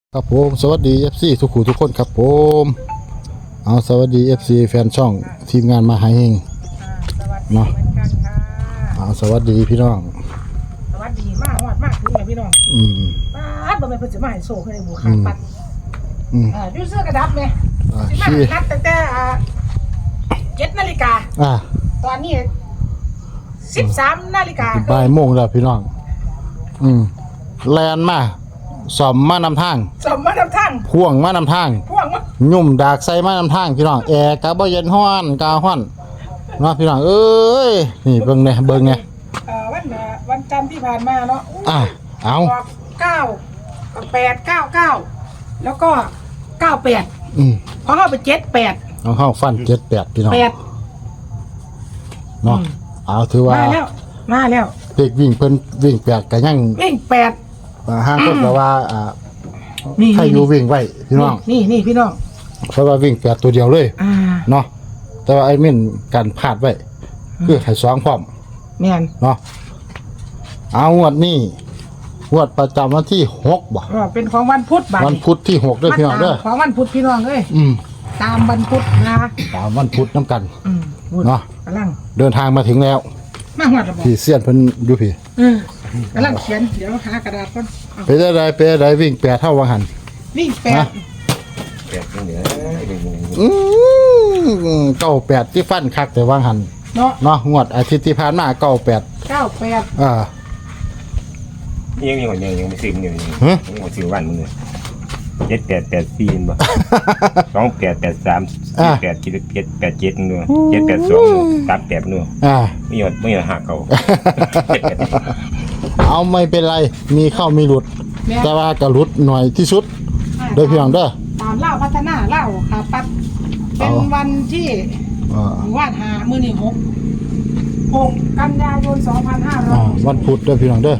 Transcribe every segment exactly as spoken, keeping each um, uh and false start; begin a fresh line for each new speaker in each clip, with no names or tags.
ครับผมสวัสดี เอฟ ซี ทุกคู่ทุกคนครับผมเอาสวัสดี เอฟ ซี แฟนช่องทีมงานมาหาเฮงเนาะเอาสวัสดีพี่น้อง
สวัสดีมากฮอดมากถึงเลยพี่น้อง
อืม
ปัดบ่แม่นเพิ่นสิมาให้โซ่ให้หมู่ขาปัด
อืม
อ่าอยู่เสื้อกระดับแม่
อ่า
สิมา
ชี้
นัดตั้งแต่อ่าเจ็ดนาฬิกา
อ่า
ตอนนี้สิบสามนาฬิกา
บ่ายโมงแล้วพี่น้องอืมแลนมาสอมมานำทาง
สมมานำทาง
พ่วงมานำทาง
พ่วงมา
ยุ่มดากใส่มานำทางพี่น้องแอร์กะบ่เย็นฮ้อนกะฮ้อนเนาะพี่น้องเอ้ยนี่เบิ่งเนี่ยเบิ่งเนี่ย
เอ่อวันอ่าวันจันทร์ที่ผ่านมาเนาะ
อ่ะเอา
ออกเก้าแปดเก้าเก้าแล้วก็เก้าแปด
อืม
พอเข้าไปเจ็ดแปด
เอาเข้าฟันเจ็ดแปดพี่น้อง
แปด
เนาะเอาถือว่า
มาแล้วมาแล้ว
เด็กวิ่งเพิ่นวิ่งแปดก็ยัง
วิ่งแปด
อ่าห้างคนก็ว่าอ่า
นี่
ให้อยู่วิ่งไว้พี่น้อง
นี่นี่พี่น้อง
เพราะว่าวิ่งแปดตัวเดียวเลย
อ่า
เนาะแต่ว่าไอ้มิ่นกันพลาดไว้คือให้สองพร้อม
แม่น
เนาะเอางวดนี้งวดประจำวันที่หกบ่
ก็เป็นของวันพุธบ่าย
วันพุธที่หกเด้อพี่น้องเด้อ
ของวันพุธพี่น้องเอ้ย
อืม
ตามวันพุธนะ
ตามวันพุธน้ำกัน
อืมพุธ
เนาะ
กำลัง
เดินทางมาถึงแล้ว
มาหอดระบอก
พี่เสี้ยนเพิ่นอยู่พี่
เออกำลังเขียนเดี๋ยวหากระดาษก่อนเอา
ไปได้ใดไปได้ใดวิ่งแปดเท่าวังหัน
วิ่งแปด
แปดเหนือ
อืมเก้าแปดที่ฟันคักแต่วังหัน
เนาะ
เนาะงวดอาทิตย์ที่ผ่านมาเก้าแปด
เก้าแปด
อ่า
ยังยังยังยังไม่ซื้อมันอยู่ยัง
ฮะ
ยังไม่ซื้อวันมึงเลยเจ็ดแปดแปดสี่บ่สองแปดแปดสามแปดเจ็ดเจ็ดแปดเจ็ดนู่นเจ็ดแปดสองสามแปดนู่น
อ่า
ไม่หยดไม่หยดหักเขา
เอาไม่เป็นไร มีเข้ามีหลุด
แม่
แต่ว่าก็หลุดหน่อยที่สุดโดยพี่น้องเด้อ
ตามเล่าพัฒนาเล่าขาปัดเป็น
เอา
วันที่
อ่า
วาดหามือนี่หกหกกันยายนสองพันห้าร้อ
อ่าย วันพุธเด้อพี่น้องเด้อ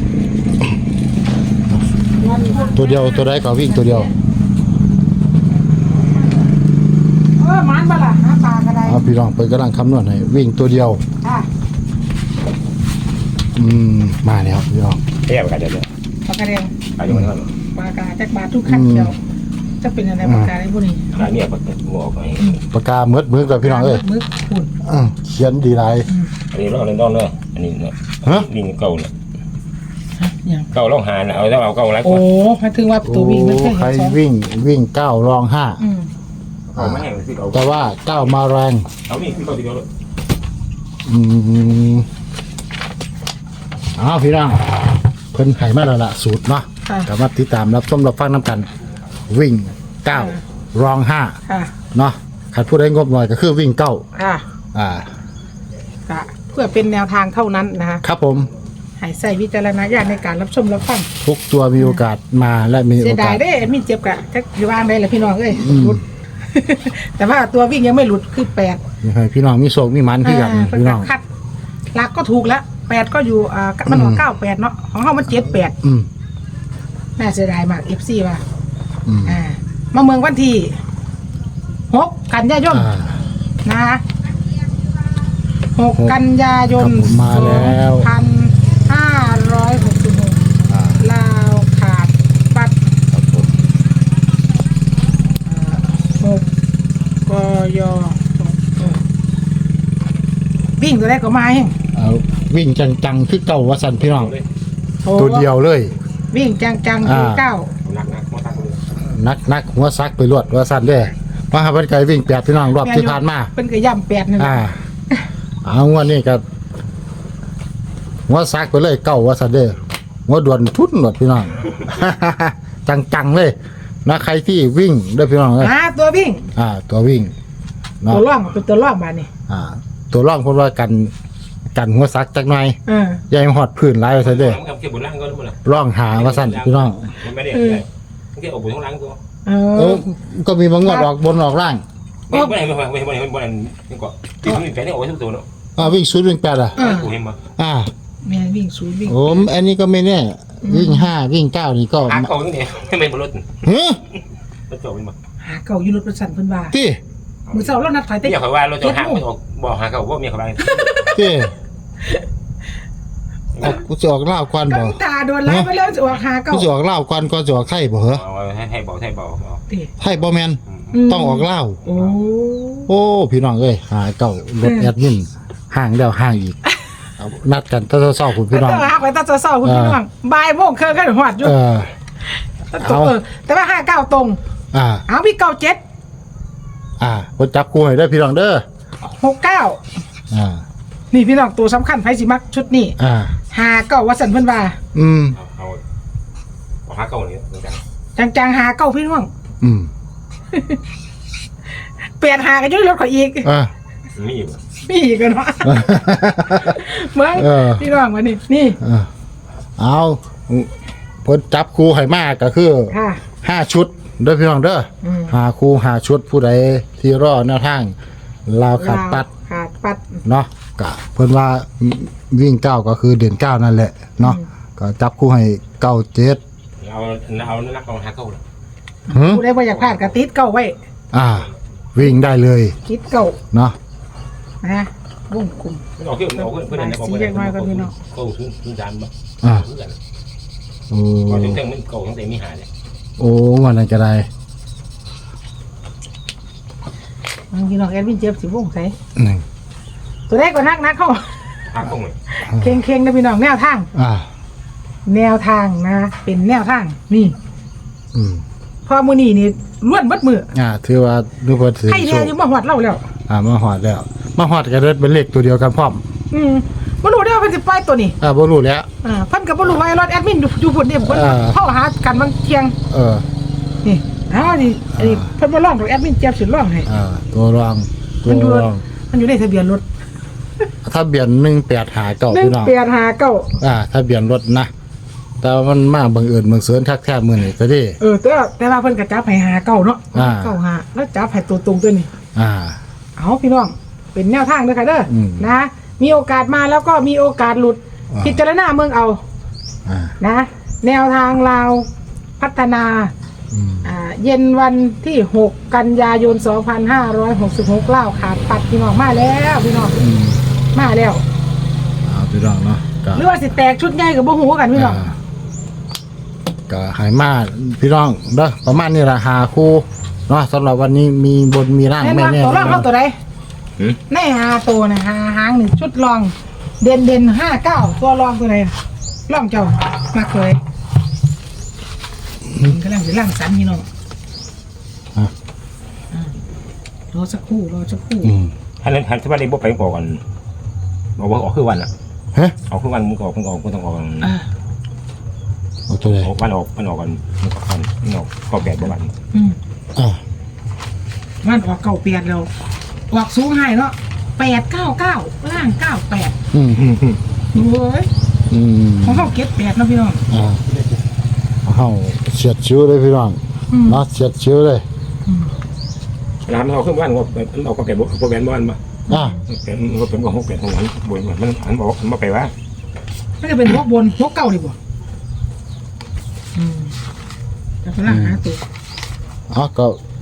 วันพุธ
ตัวเดียวตัวใดก็วิ่งตัวเดียว
เออหมันบ่ล่ะหาปลากระได
เอาพี่น้องเพิ่นกำลังคำนวณให้วิ่งตัวเดียว
ค่ะ
อืมมาแล้วพี่น้อง
แย่ไปกันเดี๋ยวเลย
ปลากระเดง
อายุมันเท่าไหร่
ปลากระจักบาททุกขั้นเดียวจะเป็นอะไรปลากระไดพวกนี้
อันนี้ก็งอกไป
ปากกาเมือดมือกับพี่น้องเอ้ย
มึกฝุ่น
อื้อเขียนดีหลาย
อันนี้เราเล่นต้นเลยอันนี้เนี่ย
ฮะ
วิ่งเก่าเนี่ย
อย่าง
เก่าเราหาเอาต้องเอาเก่าไรก่
โอ้
อน
หมายถึงว่าตัววิ่งมันเคย
ใคร
เห็นสอง
วิ่งวิ่งเก้ารองห้า
อืม
เอาไม่ให้ซื้อเอา
แต่ว่าเก้ามาแรง
เอานี่ซื้อเก่าทีเดียวเลย
อืมอ้าวพี่น้องเพิ่นไข่มาแล้วล่ะสูตรเนาะ
ค่ะ
กลับมาติดตามรับชมรับฟังน้ำกัน วิ่งเก้ารองห้า
ค่ะ
เนาะขัดพูดได้งบหน่อยก็คือวิ่งเก้า
ค่ะ
อ่า
ก็เพื่อเป็นแนวทางเท่านั้นนะคะ
ครับผม
ให้ใส่วิจารณญาณในการรับชมรับฟัง
ทุกตัวมีโอกาสมาและมี
เสี
โอยา
ดาย
ส
เด้มีเจ็บกะจะอยู่ว่างได้เลยพี่น้องเอ้ย
อืม
หลุด แต่ว่าตัววิ่งยังไม่หลุดคือแปด
ให้พี่น้องมีโศกมีมันคือกัน
อ่า
พี่น้อง
คัดหลักก็ถูกแล้วแปดก็อยู่อ่ามันออกเก้าแปดเนาะของเขามันเจ็ดแปด
อืม
น่าเสียดายมากเอฟซีว่ะ
อืม
อ่ามาเมืองวันที่หกกันยายน
อ่า
นะคะหกกันยายน
ครับผมมาแล้ว
สองพันห้าร้อยหกสิบหก
อ่า
ลาวขาดปัด
ครับผม
หกกยวิ่งตัวแรกก็มาเอง
เอาวิ่งจังๆคือเก่าว่าสันพี่น้อง
เลย
โอ้
ตัวเดียวเลย
วิ่งจังจังๆคือ
อ่า
เก้า
นักนักมาตั้งเลย
นักนักหัวซักไปรวดว่าสันเด้อมาหาวันไกลวิ่งแปดพี่น้องรอบที่ผ่านมา
เป็นกระย่ำแปดนี่นแหละ
อ่า เอางวดนี้ก็หัวซักไปเลยเก่าว่าสันเด้อหัวด่วนทุนหมดพี่น้อง จังๆเลยนะใครที่วิ่งเด้อพี่น้องเอ้ย
อ่าตัววิ่ง
อ่า ตัววิ่งเนาะ
ตัวร่องเป็นตัวร่องบานนี่
อ่า ตัวร่องเพราะว่ากันกันหัวซักจักหน่อย
เออ
อยายหอดพื้นหลายว่าซั่นเด้อ
มันกับเก็บบนล่างก็รู้มั้ย
ร่องหาว่าซั่นพี่น้อง
มันไม่ได้มันแค่เอาบนข้างล่างตัว
เอ
เอ
อ
อก็มีบางงวดออกบนออกล่าง
ไม่ไม่ไม่ไม่ไม่ไม่ไม่นี่ก็ที่มันแฝงนี่โอ้ยทุกตัวเนาะ
อ่าวิ่งศูนย์วิ่งแปดอ่ะ
กูเห็นมา
อ่า
แม่วิ่งศูนย์วิ่ง
โอ้มอันนี้ก็ไม่แน่วิ่งห้าวิ่งเก้านี่ก็
หาเก่าตั้งแต่ไม่เป็นบนรถ
เฮ้ย
รถจอดเป็นมา
หาเก่าอยู่รถประสันเพิ่นว่า
ที่
มือเสาเรานัดถอยเต็
เมียเขาว่ารถจอดห่างไม่ออกบอกหาเก่าว่าเมียเขาไป
ที่โออกกูจะออกเล่าวก่อน
ก็
บ่
ตาโดนไล่ไปแล้วจะออกหาเก้า
กูจะออกเล่าวก่อนก็จะออกไทยบ่เหรอ
เอาให้ให้บอกให้บอกบอก
ติ
ไทยบ่แม่นต้องออกเล่าว
โอ้
โอ้พี่น้องเอ้ยหาเก่ารถแอดมินห่างแล้วห่างอีกเอานัดกันตอนเช้าๆคุณพี่น้อง
ต้องหาไปตาเศร้าๆคุณพี่น้องบ่ายโมงเครื่องกันหอดอยู่
เออ
ตรงเออแต่ว่าห้าเก้าตรง
อ่า
เอาพี่เก้าเจ็ด
อ่าคนจับกูให้ได้อพี่น้องเด้อ
หกเก้า
อ่า
นี่พี่น้องตัวสำคัญไผสิมักชุดนี้
อ่า
หาเก้าว่าสันเพิ่นว่า
อืม
เอาเอาเอาห้าเก้านี้เหมือนกัน
จังๆหาเก้าพี่น้อง
อืม
เปลี่ยนหากันอยุ่รถข่อยอีก
อ่า
มีอยู่
มีอีกกันเนาะเมือง
เออ
พี่น้องมานี่นี่
อ่าเอาเพิ่นจับครูให้มากก็คือ
ค่ะ
ห้าชุดเด้อพี่น้องเด้ออ
ม
หาครูหาชุดผู้ใดที่รอแนวทางลาวขาดปัด
ขาดปัด
เนาะก็เพิ่นว่าวิ่งเก้าก็คือเด่นเก้านั่นแหละเนาะก็จับคู่ให้เก้าเจ็ด
เอาเอานักเอาห้าเก้าเลย
หึ
ผู้ใดบ่อยากพลาดก็ติดเก้าไว้
อ่า วิ่งได้เลย
ติดเก้า
เนาะ
นะวงกลม
เอาขึ้นเอาขึ้นเพื่อนเอาเพื่อนเก้าขึ้นขึ้นจานบ่
อ่า
เพื่อน
โอ้
พอถึงเท่งมันเก้าตั้งแต่มีหาเลย
โอ้วันนั้นก็ได้
พี่น้องแอดมินเจ็บสิวงใส่
หนึ่ง
ตัวแรกก็นักนักเข้า
ห้าเก้าเลย
เข่งเข่งๆนะพี่น้องแนวทาง
อ่า
แนวทางนะ เป็นแนวทางนี่
อืม
พอมือนี่นี่ล้วนเบัดมือ
อ่าถือว่าดูเพิ่นถือ
ให้
โช
แน่
ค
อยู่มาหอดเล่าแล้ว
อ่ามาหอดแล้ว มาหอดก็เด้เป็นเลขตัวเดียวกันพร้อม
อืมบ่รู้ได้ว่าเพิ่นสิปล่อยตัวนี้
อ่าบ่รู้แล้ว
อ่าเพิ่นก็บ่รู้ว่ารถแอดมินอยู่อยู่พุ่นนี่เพิ่น
อ่า
เข้าหากันบางเที่ยง
เออ
นี่อ้าวนี่อันนี้เพิ่นบ่ร้องดอกแอดมินเจ็บสิร้องให้
อ่าตัวรองตั
มันอยู่
วรอง
มันอยู่ในทะเบียนรถ
ถ้าเบียนหนึ่งแปดหาเก้าพี่น้อง
หนึ่งแปดห้าเก้า
อ่าถ้าเบียนรถนะ แต่ว่ามันมาบังเอิญบังเสิญทักแท้มือนี่ก็ดี
เออแต่ว่าแต่ว่าเพิ่นก็จับให้หาเก้าเนาะ
อ่า
เก้าหาแล้วจับให้ตัวตรงตัวนี้
อ่า
เอาพี่น้องเป็นแนวทางเด้อค่ะเด้ออ
ม
นะ มีโอกาสมาแล้วก็มีโอกาสหลุด
อ่า
พิจารณาเมืองเอา
อ่า
นะ แนวทางลาวพัฒนา
อืม
อ่าเย็นวันที่หกกันยายนสองพันห้าร้อยหกสิบหกเล่าขาดปัดพี่น้องมาแล้วพี่น้อง
อืม
มาแล้ว
เอาพี่น้องเนาะก็
หรือว่าสิแตกชุดใหญ่กับบ่ฮู้กันพี่น้อง
อ่าก็ใหายมาพี่น้องเด้อประมาณนี้ละหาคู่เนาะสำหรับวันนี้มีบนมีร่าง
แม่น
แม่
ว่า
แน่
ตัวรองเข้าตัวใด
หืม
ในหาตัวนะหาหางหนึ่งชุดรอง เด่นเด่นห้าเก้าตัวรองตัวไหนรองเจ้ามากเลยกำลังจะล่างสันพี่น้อง
อ่ะ
อ่ารอสักครู่รอสักครู่
อืม
ฮันนั้นฮันที่ว่าได้บอกไปก่อนบอกว่าออกคือวันอ่ะ
ฮะ
ออกคือวันมึงออกมึงออกมึงต้องออก
อ่า
เอาตัวไหน
ออกวันออกมันออกกันมึงออกกันมึงออกก็แปดบ่วัน
อืม
อ่า
มันออกเก้าเปียดแล้วออกสูงให้เนาะแปดเก้าเก้าล่างเก้าแปด
อืมอืม
โอ้ย
อืม
ของเขาเก็ตแปดเนาะพี่น้อง
อ่าเอาเฉียดชิวเลยพี่น้อง
อืม
เนาะเฉียดชิวเลย
อืม
ร้านมันออกคือวันว่ามันออกก็แปดบ่บ่แปดบ่วันบ่
อ่า
แปดมันก็เป็นก็หกแปดของวันบ่มันอันบอกมันบ่ไปว่า
มันจะเป็นหัวบนหัวเก้าดีกว่าอืมแต่ฝรั่งหาตัว
อ๋อก็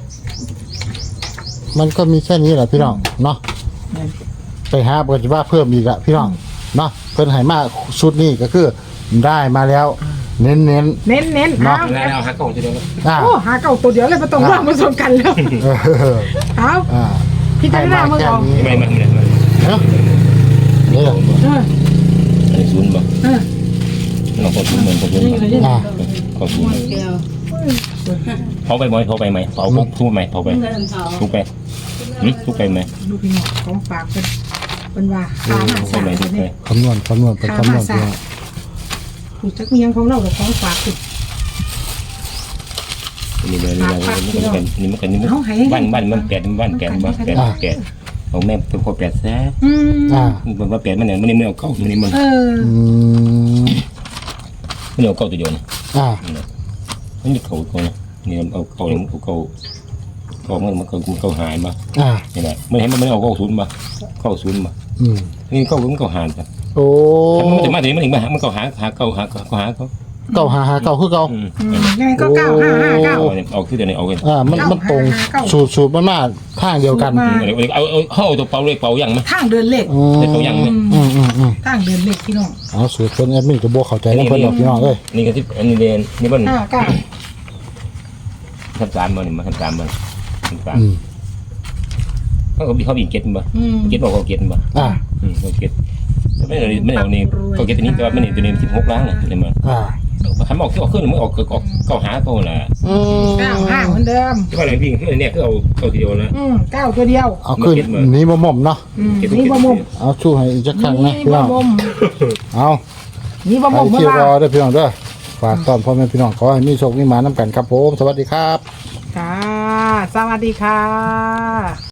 มันก็มีแค่นี้แหละพี่น้องเนาะ
เนี่ย
ไปหาปฏิว่าเพิ่มอีกอะพี่น้องเนาะเพิ่นให้มาชุดนี้ก็คือได้มาแล้ว เน้นเน้น
เน้นเน้น
เนาะ
เอา
แล้วเอาห้าเก้าจะเดียว
ๆอ่า
โอ้หาเก้าตัวเดียวเลยมาต้องร่างมาส่งกันแล้ว
เออ
เอา
อ่า
พี่จะได้มึงเอา
ให้
ไม่
มา
ไม่
แค่
ไม่
นี้
ไม่
เนาะนี่แหละ
เออ
อันนี้ศูนย์บ่
เออ
เราก็ศูนย์เหมือนก็ศูนย์
อ่า
ก็ศูนย์เขาไปไหมเขาไปไหมเขาพกทุบไหมเขาไปทุบไปทุบไปไหม
ดูพี่น้องของฝากเป็นเป็นว่าขามา
ทุบ
สา
ไปไหมทุบไป
เนี่ย
คำนวณคำนวณเป็นคำนวณพี่น้อง
ผู้จักมียังของเรากับของฝากคือ
นี่เลยนี่เลยนี่มันกันนี่มันบ้านบ้านมันแปดบ้านแปดบ้านแปดแปดของแม่เป็นคนแปดแซ่
อืม
อ่า
มันว่าแปดมันเนี่ยมันนี่มันเอาเก้ามันนี่มัน
เออ
อืม
มันเอาเก้าตัวเดียวนะ
อ่า
มันมีเก้าตัวนะนี่เอาเก้ามันเก้าเก้ามันมันเก้ามันเก้าหายมา
อ่า
นี่แหละมันเห็นมันไม่เอาเก้าศูนย์มาเก้าศูนย์มา
อืม
นี่เก้ามันเก้าหายจ้ะ
โอ้
มันจะมาถึงมันถึงมาหามันเก้าหาหาเก้าหาเก้าหาเขา
เก่าหาหาเก่าคือเก่า
อืมยังไงก็เก้าห้าห้าเก้า
เอาคือเดี๋ยวนี้เอากัน
อ่ามันมันตรง
เก้า
สูตรสูตรมันมาทางเดียวกัน
สูตรมา
เอาเอาเอาตัวเปล่าเลขเปล่ายังไหม
ทางเดินเลข
อืม
เลขเปล่ายังไหม
อืมอืมอืม
ทางเดินเล็กพี่น้อง
เอาสูตรเพิ่นแอดมินก็บ่เข้าใจนำเพิ่นดอกพี่น้องเอ้ย
นี่ก็ที่อันนี้เดนนี่มัน
ห้าเก้า
ทำสามมันมาทำสามมันทำสาม
อืม
เขาก็เขาบินเก็ตบ่
อืม
เก็ตบอกเขาเก็ตบ่
อ่า
อืมเขาเก็ตไม่เอาไม่เอานี่เขาเก็ตตัวนี้แต่ว่ามันนี่ตัวนี้สิบหกล้านเลยเลยมัน
อ่า
คันบอกที่ออกขึ้นมันออกออกเข้าหาเขาแหละ
อืม
เก้าห้าเหมือนเดิม
ที่ว่าอะไรพี่คือเนี่ยคือเอาเข้าทีเดียวนะ
อืมเก้าตัวเดียว
เอาขึ้นหนี้บ่หม่อมเนาะ
อืมนี่บ่มุม
เอาชูให้อีกจักครั้งนะ
นี่
พี่
บ่
น้อง
มุม
เอา
นี่บ่
ไป
มุมเมื่
ที่
อ
รอ
วาน
เด้อพี่น้องเด้อฝากตอนพ่อแม่พี่น้องขอให้มีโชคมีหมานํกันครับผมสวัสดีครับ
ค่ะ สวัสดีค่ะ